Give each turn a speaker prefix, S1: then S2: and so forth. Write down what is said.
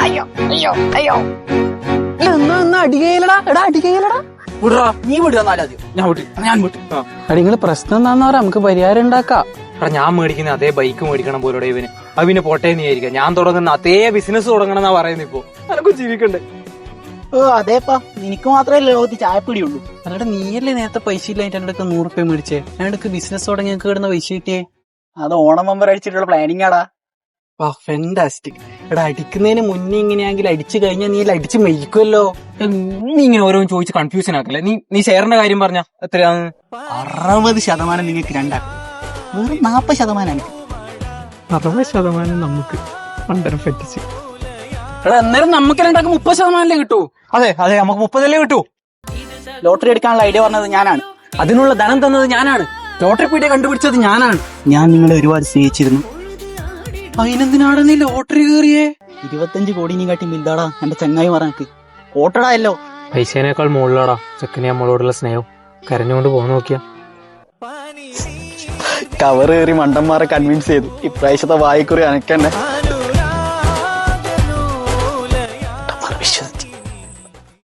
S1: അയ്യോ അയ്യോ അയ്യോ
S2: അടികയിലടാ എടാ അടികയിലടാ
S1: വിടാ, നീ വിടുക എന്നാലാദ്യം. ഞാൻ വിട്ടു.
S2: അടിങ്ങള് പ്രശ്നം എന്താന്ന് പറയാ നമുക്ക് പരിഹാരം ഉണ്ടാക്കാം.
S3: ഞാൻ മേടിക്കുന്ന അതേ ബൈക്ക് മേടിക്കണം പോലോടെ ഇവന്. അവന് പോട്ടേ നീ ആയിരിക്കാം. ഞാൻ തുടങ്ങുന്ന അതേ ബിസിനസ് തുടങ്ങണം എന്നാ പറയുന്നത്. ഇപ്പൊ അനക്കും ജീവിക്കണ്ടേ?
S1: ഓ അതേപ്പാ, നിനക്ക് മാത്രമേ ലോകത്ത് ചായപ്പിടിയുള്ളൂ.
S2: അല്ലാടെ നീയല്ലേ നേരത്തെ പൈസ ഇല്ലായിട്ട് എന്റെ അടുത്ത് 100 രൂപ മേടിച്ചേ. ഞങ്ങൾക്ക് ബിസിനസ് തുടങ്ങി ഞങ്ങൾക്ക് കിടന്ന പൈസ കിട്ടിയേ.
S1: അത് ഓണം മെമ്പർ അടിച്ചിട്ടുള്ള പ്ലാനിങ് ആടാ.
S2: ഫെന്റാസ്റ്റിക്. എടാ അടിക്കുന്നതിന് മുന്നേ ഇങ്ങനെയാണെങ്കിൽ അടിച്ചു കഴിഞ്ഞാൽ നീ അടിച്ച് മേടിക്കുമല്ലോ.
S3: നീ ഇങ്ങനെ ഓരോന്ന് ചോദിച്ച് കൺഫ്യൂഷൻ ആക്കല്ലേ. നീ ഷെയറിന്റെ കാര്യം പറഞ്ഞ എത്രയാന്ന്?
S1: 60% നിങ്ങൾക്ക് രണ്ടാക്കും, വെറും 40% എനിക്ക്.
S2: 60% നമുക്ക് പണ്ടരം പറ്റിച്ച്. എടാ അന്നേരം നമുക്ക് രണ്ടാക്കും 30% കിട്ടൂ.
S3: അതെ നമുക്ക് 30 കിട്ടൂ.
S1: ലോട്ടറി എടുക്കാനുള്ള ഐഡിയ പറഞ്ഞത് ഞാനാണ്.
S2: അതിനുള്ള ധനം തന്നത് ഞാനാണ്. ലോട്ടറി പീഡിയ കണ്ടുപിടിച്ചത് ഞാനാണ്.
S1: ഞാൻ നിങ്ങളെ ഒരുപാട് സ്നേഹിച്ചിരുന്നു.
S2: അതിനെന്തിനാണ് നീ ലോട്ടറി കയറിയേ?
S1: 25 കോടി നീ കാട്ടി മിൽതാടാ എന്റെ ചങ്ങായി പറഞ്ഞക്ക്. ഓട്ടടായല്ലോ.
S3: പൈസേനേക്കാൾ മുകളിലാടാ ചെക്കനെ നമ്മളോടുള്ള സ്നേഹം. കരഞ്ഞുകൊണ്ട് പോകാൻ നോക്കിയാ
S1: കവർ കയറി മണ്ടന്മാരെ കൺവിൻസ് ചെയ്തു. ഇപ്രാവശ്യത്തെ വായിക്കുറി അനക്കന്നെ.